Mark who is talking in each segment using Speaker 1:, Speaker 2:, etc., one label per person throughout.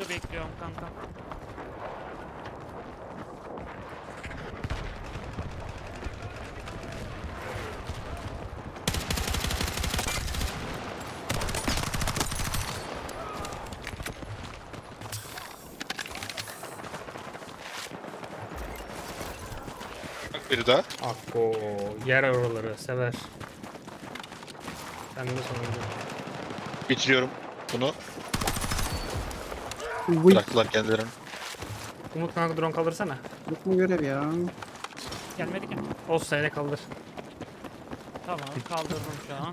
Speaker 1: bekliyorum kanka.
Speaker 2: Bak biri daha.
Speaker 3: Akko yer oraları sever. Ben de sonunda.
Speaker 2: Bitiriyorum bunu.
Speaker 4: Vıy.
Speaker 2: Bıraktılar kendilerini.
Speaker 3: Umut kanka drone kaldırsana.
Speaker 4: Yok mu görev ya?
Speaker 1: Gelmedi ki.
Speaker 3: Olsun sayede kaldır.
Speaker 1: Tamam kaldırdım şu an.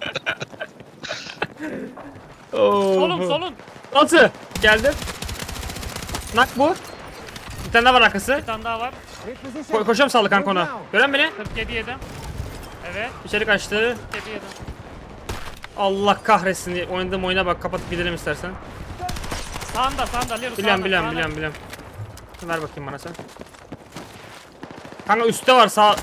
Speaker 3: Oo.
Speaker 1: Solun.
Speaker 3: Altı. Geldim. Nak bu. Bir tane daha var arkası.
Speaker 1: Bir tane daha var.
Speaker 3: Koşuyorum sağlı kanka ona. Gören beni.
Speaker 1: 47 yedim. Evet.
Speaker 3: İçeri kaçtı.
Speaker 1: 47 yedim.
Speaker 3: Allah kahretsin. Oynadığım oyuna bak. Kapatıp gidelim istersen.
Speaker 1: Sağında Leru sağında.
Speaker 3: Biliyorum. Ver bakayım bana sen. Kanka üstte var sağ.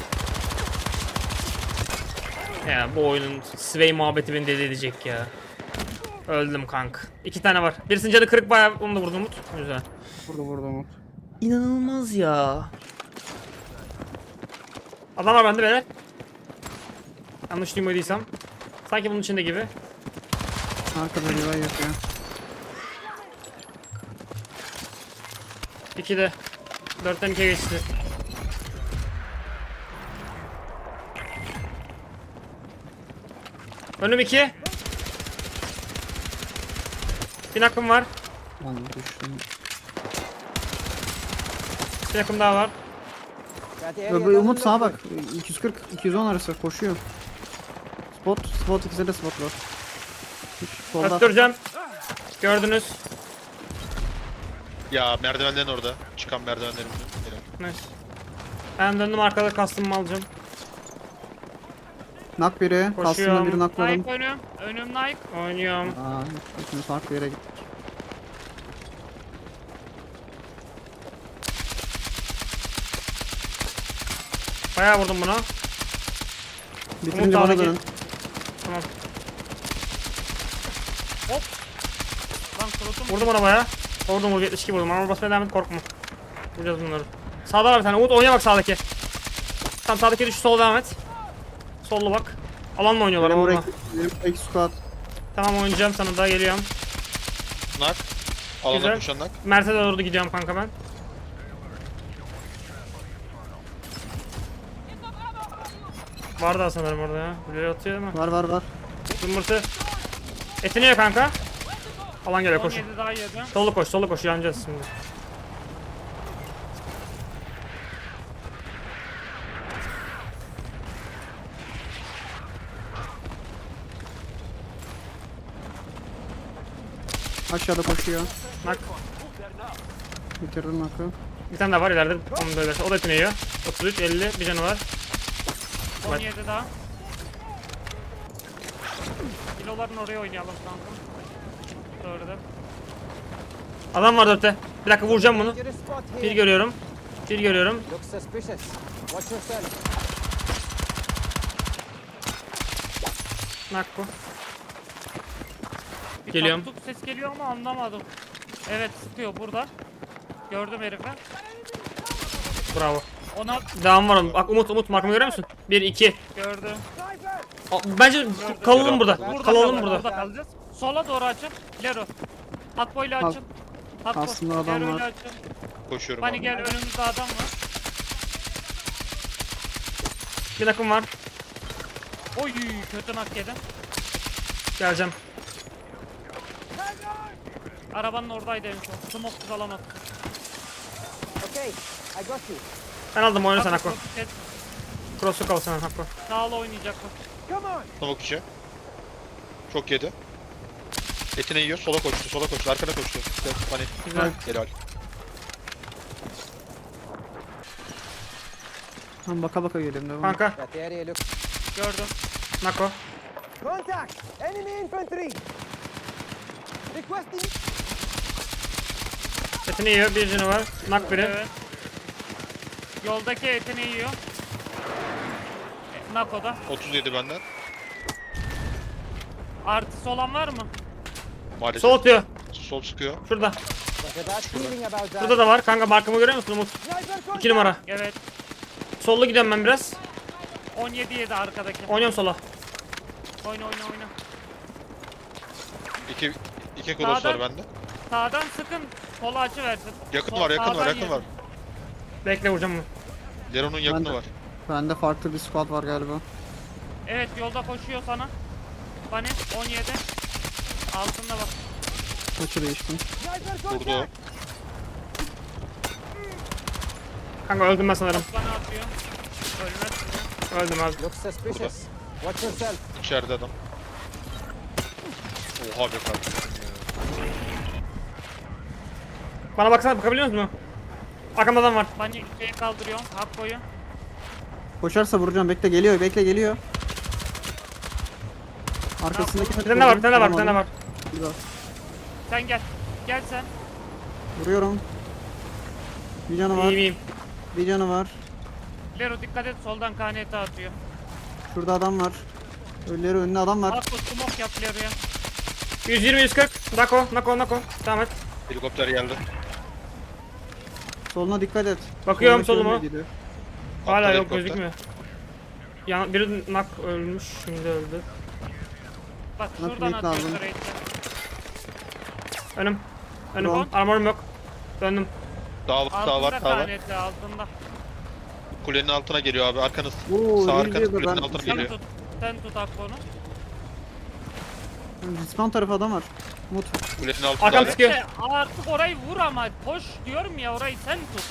Speaker 3: Ya bu oyunun Sway muhabbeti beni deli edecek ya. Öldüm kank. 2 tane var. Birisinin canı kırık, bayağı onu da vurdum Umut. Güzel.
Speaker 4: Burada Umut.
Speaker 3: İnanılmaz ya. Adam var bende beyler. Yanlış duymadıysam. Sanki bunun içinde gibi.
Speaker 4: Arkada revive yapıyor.
Speaker 3: 2'de. 4'ten 2'ye geçti. Önüm 2. Bir nakım var.
Speaker 4: Lan düştüm.
Speaker 3: Bir nakım daha var.
Speaker 4: Umut sağa bak. 240 210 arası koşuyor. Spot ikisi de spot var. Solda.
Speaker 3: Öttüreceğim. Gördünüz.
Speaker 2: Ya merdivenlerin orada. Çıkan merdivenlerin.
Speaker 3: Nice. Ben döndüm, arkada kastımı alacağım.
Speaker 4: Nak biri.
Speaker 3: Koşuyorum.
Speaker 4: Kastımda biri nakladım.
Speaker 1: Nike önüm. Önüm Nike.
Speaker 3: Oynuyorum.
Speaker 4: Aa, ikimiz farklı yere gittik.
Speaker 3: Bayağı vurdum buna.
Speaker 4: Bitirince bana
Speaker 3: sağdaki.
Speaker 4: dönün.
Speaker 3: Tamam.
Speaker 1: Lan cross'um.
Speaker 3: Vurdum ona bayağı. Vurdum, 72 vurdum. Ama basmaya devam et, korkma. Vuracağız bunları. Sağda var bir tane. Umut oyna bak sağdaki. Tam sağdaki düş, sola devam et. Sollu bak. Alan mı oynuyorlar?
Speaker 4: Benim
Speaker 3: Alanla.
Speaker 4: benim ek squad.
Speaker 3: Tamam, oynayacağım sana da, geliyorum.
Speaker 2: Nak. Alana
Speaker 3: Güzel.
Speaker 2: koşan nak.
Speaker 3: Mert'e doğru gidiyorum kanka ben. Var daha sanırım orada ya. Böyle atıyor değil mi?
Speaker 4: Var.
Speaker 3: Zımbırtı. Etini ye kanka. Alan geliyor, koş.
Speaker 1: 17 daha yedim.
Speaker 3: Solu koş, yanacağız şimdi.
Speaker 4: Aşağıda koşuyor.
Speaker 3: Nak.
Speaker 4: Bitirdim nakı.
Speaker 3: Bir tane daha var ileride. Onu da ölerse. O da etini yiyor. 33, 50. Bir canı var.
Speaker 1: 17 daha. Kiloların oraya oynayalım kanka. Gördüm.
Speaker 3: Adam var 4'te. Bir dakika, vuracağım bunu. Bir görüyorum.
Speaker 5: Looks suspicious. Watch yourself.
Speaker 3: Nak bu.
Speaker 1: Bir
Speaker 3: Geliyorum.
Speaker 1: taktuk ses geliyor ama anlamadım. Evet sıkıyor burada. Gördüm herifi.
Speaker 3: Bravo.
Speaker 1: Ona
Speaker 3: Devam var onun. Bak Umut markamı görüyor musun? 1, 2.
Speaker 1: gördüm.
Speaker 3: Bence kalalım burada. Kalalım
Speaker 1: kalacağız,
Speaker 3: burada.
Speaker 1: kalacağız. Sola doğru açın. Lero. Hatboy'la
Speaker 4: Al.
Speaker 1: açın. Hatboy.
Speaker 4: Aslında adam
Speaker 1: Lero'yla
Speaker 4: var.
Speaker 1: açın.
Speaker 2: Koşuyorum
Speaker 1: Hani
Speaker 2: abi.
Speaker 1: gel, önümüzde adam var.
Speaker 3: Bir nakım var.
Speaker 1: Oy kötü nak yedim.
Speaker 3: Geleceğim.
Speaker 1: Arabanın oradaydı en son. Smoke'suz alamadım.
Speaker 5: Okay, I got you.
Speaker 3: Ben aldım, oyna sen
Speaker 1: Bak,
Speaker 3: Hakko.
Speaker 1: kes.
Speaker 3: Cross'u kal sen Hakko.
Speaker 1: Sağla oynayacak bu.
Speaker 5: Come on.
Speaker 2: Tavuk içi. Çok yedi. Etini yiyor. Sola koştu. Arkana koştu. Hani.
Speaker 3: Güzel.
Speaker 2: Helal.
Speaker 4: Tam baka geliyorum devam.
Speaker 3: Kanka.
Speaker 5: That area looks.
Speaker 1: Gördüm.
Speaker 3: Nako.
Speaker 5: Contact! Enemy infantry! Requesting.
Speaker 3: Etini yiyor, bir canı var. Nak biri.
Speaker 1: Evet. Yoldaki etini yiyor. Nako'da.
Speaker 2: 37 benden.
Speaker 1: Artısı olan var mı?
Speaker 2: Maalesef.
Speaker 3: Sol atıyor.
Speaker 2: Sol sıkıyor.
Speaker 3: Şurada.
Speaker 5: Got a bad feeling about that.
Speaker 3: Burada da var. Kanka markamı görüyor musun Umut?
Speaker 5: Sniper
Speaker 3: 2
Speaker 5: contact.
Speaker 3: numara.
Speaker 1: Evet.
Speaker 3: Sollu gidiyorum ben biraz.
Speaker 1: 17 yedi arkadaki.
Speaker 3: Oynuyorum sola.
Speaker 1: Oyna oyna oyna.
Speaker 2: İki kulos var
Speaker 1: Sağdan-
Speaker 2: bende.
Speaker 1: Sağdan sıkın. Sola açı versin.
Speaker 2: Yakın var, yakın var,
Speaker 1: Sağdan
Speaker 2: yakın
Speaker 1: yedi.
Speaker 2: var.
Speaker 3: Bekle vuracağım bunu.
Speaker 2: Leron'un yakını
Speaker 4: Ben de-
Speaker 2: var.
Speaker 4: Bende farklı bir squad var galiba.
Speaker 1: Evet yolda koşuyor sana. Bani 17. Altında bak.
Speaker 4: Açı değiştim.
Speaker 5: Sniper
Speaker 2: Vurdu o.
Speaker 5: contact.
Speaker 3: Kanka öldüm ben sanırım.
Speaker 1: Bana atıyor. Ölmez.
Speaker 3: Öldüm abi.
Speaker 5: Looks suspicious. Watch yourself.
Speaker 2: İçeride adam. Oha be kardeşim ya.
Speaker 3: Bana baksana bakabiliyor musun? Arkamda adam var.
Speaker 1: Bani şeyi kaldırıyor. Hakko'yu.
Speaker 4: Koşarsa vuracağım. Bekle geliyor. Bekle geliyor. Arkasındaki
Speaker 3: Bir tane var, bir tane var, bir tane var.
Speaker 1: Sen gel. Gel sen.
Speaker 4: Vuruyorum. Bir canı var.
Speaker 3: İyiyim iyiyim.
Speaker 4: Bir canı var.
Speaker 1: Lero dikkat et soldan KNT atıyor.
Speaker 4: Şurada adam var. Ölüleri önüne adam var.
Speaker 1: Hakko smoke yap Lero'ya.
Speaker 3: 120-140. Nako. Devam et.
Speaker 2: Helikopter geldi.
Speaker 4: Soluna dikkat et.
Speaker 3: Bakıyorum
Speaker 4: Soldaki
Speaker 3: soluma.
Speaker 4: önüne gidiyor.
Speaker 3: Hala
Speaker 2: Atladı
Speaker 3: yok
Speaker 2: helikopter.
Speaker 3: gözükmüyor. Biri nak ölmüş. Şimdi öldü.
Speaker 1: Bak
Speaker 4: Bana
Speaker 1: şuradan
Speaker 4: plate
Speaker 1: atıyor
Speaker 4: lazım.
Speaker 1: raid'den.
Speaker 3: Önüm.
Speaker 4: Drone.
Speaker 3: Armorum yok. Döndüm.
Speaker 2: Daha var.
Speaker 1: KNT altında.
Speaker 2: Kulenin altına geliyor abi. Arkanız.
Speaker 4: Oo,
Speaker 2: Sağ
Speaker 4: iyi
Speaker 2: arkanız
Speaker 4: diyor da
Speaker 2: kulenin
Speaker 4: ben-
Speaker 2: altına
Speaker 1: Sen
Speaker 2: geliyor.
Speaker 1: tut. Sen tut Hakko'nu.
Speaker 4: Respawn tarafı adam var. Umut.
Speaker 2: Kulenin altında
Speaker 3: Arkam
Speaker 2: abi.
Speaker 3: sıkıyor.
Speaker 1: Artık orayı vur ama koş diyorum ya orayı sen tut.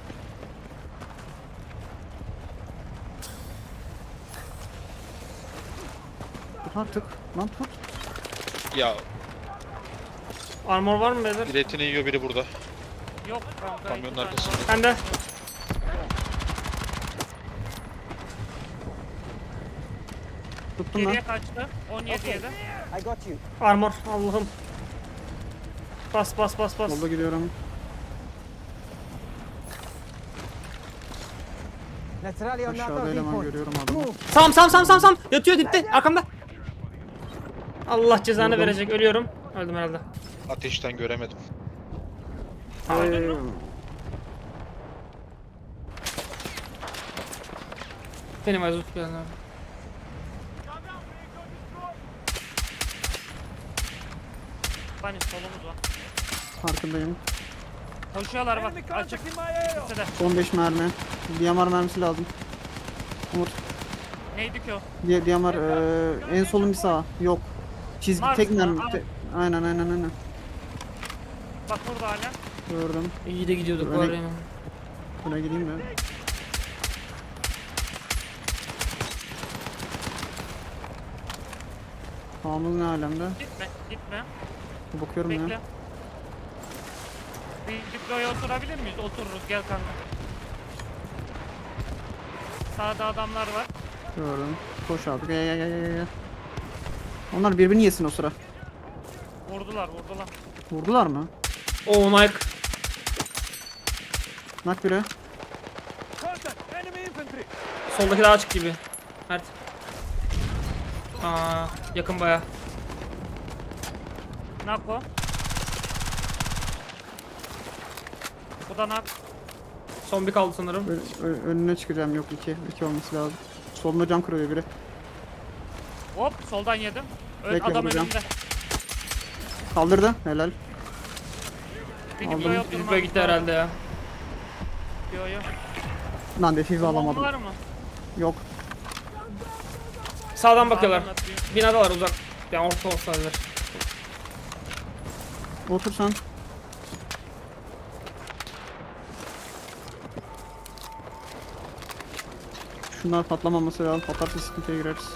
Speaker 4: Tut artık. Lan tut.
Speaker 2: Ya
Speaker 3: Armor var mı beyler?
Speaker 2: biri etini yiyor, biri burada.
Speaker 1: Yok kanka.
Speaker 2: Kamyonun
Speaker 1: iki tane
Speaker 2: arkasında.
Speaker 1: var.
Speaker 3: Bende.
Speaker 4: Tuttum
Speaker 1: Geriye
Speaker 4: ben.
Speaker 1: kaçtı. 17 yedi.
Speaker 5: I got you.
Speaker 3: Armor. Allah'ım. Bas.
Speaker 4: Solda gidiyorum.
Speaker 5: Neutrally on
Speaker 4: Aşağıda
Speaker 5: NATO
Speaker 4: eleman
Speaker 5: viewpoint.
Speaker 4: görüyorum adamı.
Speaker 5: Move.
Speaker 3: Sam. Yatıyor dipte. Arkamda. Allah cezanı
Speaker 4: Vurdum.
Speaker 3: verecek. Ölüyorum. Öldüm herhalde.
Speaker 2: Ateşten göremedim.
Speaker 3: Benim azut geldi.
Speaker 1: Bani solumuz var.
Speaker 4: Farkındayım.
Speaker 1: Koşuyorlar bak açık. İkisi de.
Speaker 4: Son 5 mermi. DMR mermisi lazım. Umut.
Speaker 1: Neydi ki o?
Speaker 4: DMR en solun bir sağa. Yok. Çizgi
Speaker 1: Mars
Speaker 4: tek
Speaker 1: mı?
Speaker 4: mermi.
Speaker 1: Al.
Speaker 4: Aynen.
Speaker 1: Bak burada hala.
Speaker 4: Gördüm.
Speaker 3: İyi de gidiyorduk
Speaker 4: Öne-
Speaker 3: var ya.
Speaker 4: Buna gideyim mi? Sağımız ne alemde?
Speaker 1: Gitme.
Speaker 4: Bakıyorum
Speaker 1: Bekle.
Speaker 4: ya.
Speaker 1: Bir diploya oturabilir miyiz? Otururuz gel kanka. Sağda adamlar var.
Speaker 4: Gördüm. Koş abi. Gel. Onlar birbirini yesin o sıra.
Speaker 1: Vurdular.
Speaker 4: Vurdular mı?
Speaker 3: Oo Nike.
Speaker 4: Nak biri.
Speaker 3: Soldaki daha açık gibi. Mert. Yakın baya.
Speaker 1: Nako. Bu da nak.
Speaker 3: Son bir kaldı sanırım.
Speaker 4: Önüne çıkacağım. Yok 2 olması lazım. Soluna cam kırıyor biri.
Speaker 1: Hop soldan yedim.
Speaker 4: Bekle,
Speaker 1: Adam
Speaker 4: vuracağım.
Speaker 1: önümde.
Speaker 4: Kaldırdı. Helal.
Speaker 1: Bir
Speaker 4: Aldım.
Speaker 1: diploya
Speaker 3: Bizimle
Speaker 1: oturmamız
Speaker 3: gitti herhalde ya.
Speaker 1: Yo.
Speaker 4: Lan defizi alamadım.
Speaker 1: Var mı?
Speaker 4: Yok.
Speaker 3: Sağdan bakıyorlar.
Speaker 1: Sağdan atıyor.
Speaker 3: Binadalar uzak. Yani orta olsalar.
Speaker 4: Otur sen. Şunlar patlamaması lazım. Patlarsa sıkıntıya gireriz.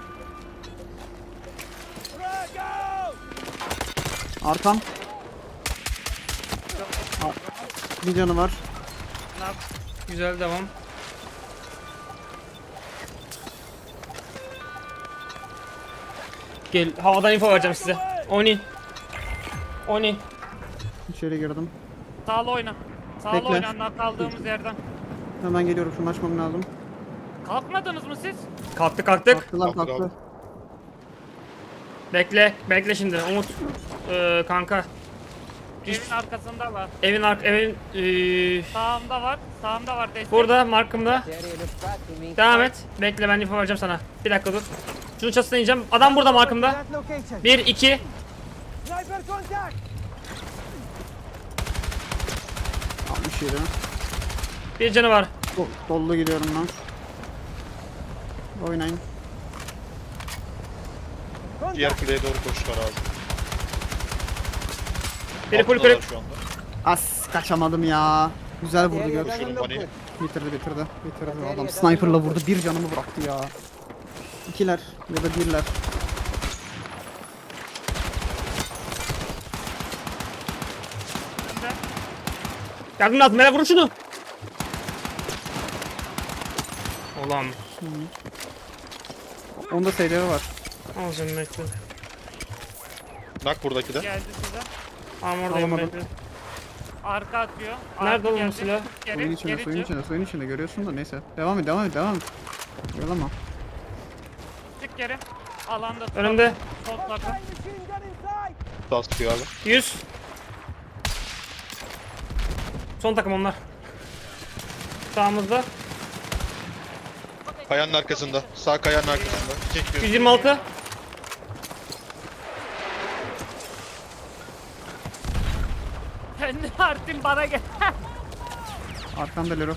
Speaker 4: Arkam. Bir canı var.
Speaker 1: Nak.
Speaker 3: Güzel devam. Gel havadan info vereceğim size. Oynayın.
Speaker 4: İçeri girdim.
Speaker 1: Sağlı oyna. Sağlı
Speaker 4: Bekle.
Speaker 1: oyna nak kaldığımız yerden.
Speaker 4: Hemen geliyorum. Şunu açmam lazım.
Speaker 1: Kalkmadınız mı siz?
Speaker 3: Kalktık.
Speaker 4: Kalktılar
Speaker 2: Kalktı,
Speaker 4: kalktı.
Speaker 3: Bekle şimdi Umut. Kanka.
Speaker 1: Evin arkasında var.
Speaker 3: Evin
Speaker 1: Sağımda var destek.
Speaker 3: burada markımda.
Speaker 5: The area looks bad to me.
Speaker 3: Devam et. Bekle ben info vereceğim sana. Bir dakika dur. Şunun çatısına ineceğim. Adam burada markımda.
Speaker 5: That location.
Speaker 3: 1 2.
Speaker 5: Sniper contact.
Speaker 4: Almış yeri.
Speaker 3: Bir canı var.
Speaker 4: Dollu gidiyorum ben. Oynayın.
Speaker 2: Diğer kuleye doğru koştular abi.
Speaker 3: Biri full
Speaker 2: Altındalar
Speaker 3: kırık.
Speaker 2: şu anda.
Speaker 4: As kaçamadım ya. Güzel
Speaker 5: The
Speaker 4: vurdu
Speaker 5: area
Speaker 4: gör.
Speaker 5: doesn't
Speaker 2: Şunun
Speaker 5: look
Speaker 2: bani.
Speaker 5: good.
Speaker 4: Bitirdi. Adam sniper'la vurdu. Bir canımı bıraktı ya. İkiler ya da birler.
Speaker 1: Önde.
Speaker 3: Yardım lazım. Merak vurun şunu. Ulan.
Speaker 4: Onda SDV var.
Speaker 3: Al canım bekle.
Speaker 2: Nak buradaki de.
Speaker 1: Geldi size.
Speaker 3: Armordayım
Speaker 4: Alamadım.
Speaker 3: bekle.
Speaker 1: Arka atıyor.
Speaker 3: Nerede
Speaker 1: Arka
Speaker 3: oğlum
Speaker 1: geldi.
Speaker 3: bu silah?
Speaker 1: Geri,
Speaker 4: Suyun içinde, suyun içinde görüyorsun da neyse. Devam et. Yorulama.
Speaker 1: Çık geri. Alanda tut.
Speaker 3: Önümde.
Speaker 1: Sol takım.
Speaker 5: Machine gun inside.
Speaker 2: Sağ sıkıyor abi.
Speaker 3: 100. Son takım onlar. Sağımızda.
Speaker 2: Kayanın arkasında. Sağ kayanın arkasında. Çekiyor.
Speaker 3: 126.
Speaker 1: Kendi Artin bana gel.
Speaker 4: Arkanda Lero.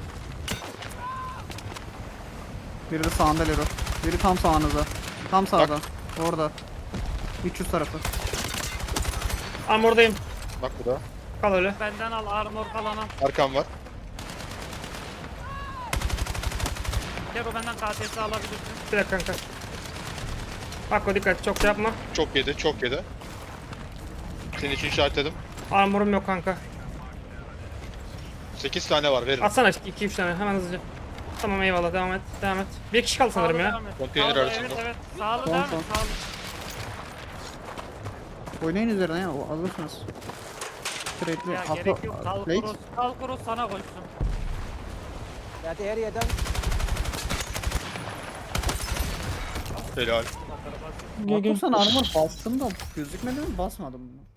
Speaker 4: Biri de sağında Lero. Biri tam sağınızda. Tam sağda. Orada. 300 tarafı.
Speaker 3: Armordayım.
Speaker 2: Bak bu da.
Speaker 3: Kal öyle.
Speaker 1: Benden al armor kalanı.
Speaker 2: Arkam var.
Speaker 1: Gel o benden KTS alabilirsin.
Speaker 3: Bir dakika kanka. Bak dikkat çok şey yapma.
Speaker 2: Çok yedi. Çok yedi. Senin için işaretledim.
Speaker 3: Armorum yok kanka.
Speaker 2: 8 tane var verin.
Speaker 3: Atsana 2-3 tane hemen hızlıca. Tamam eyvallah devam et. Devam et. Bir kişi kaldı sanırım ya.
Speaker 1: Devam et.
Speaker 2: Konteyner
Speaker 1: Sağlı,
Speaker 2: arasında.
Speaker 1: Evet evet. Sağlı
Speaker 4: Son,
Speaker 1: devam et.
Speaker 4: son.
Speaker 1: Sağlı.
Speaker 4: Oynayın üzerine ya. Alırsınız. Trade'li.
Speaker 1: Ya gerek yok. Kal kurus sana koysun.
Speaker 5: That area done.
Speaker 2: Helal.
Speaker 4: Sen armor bastım da gözükmedi mi? Basmadım mı?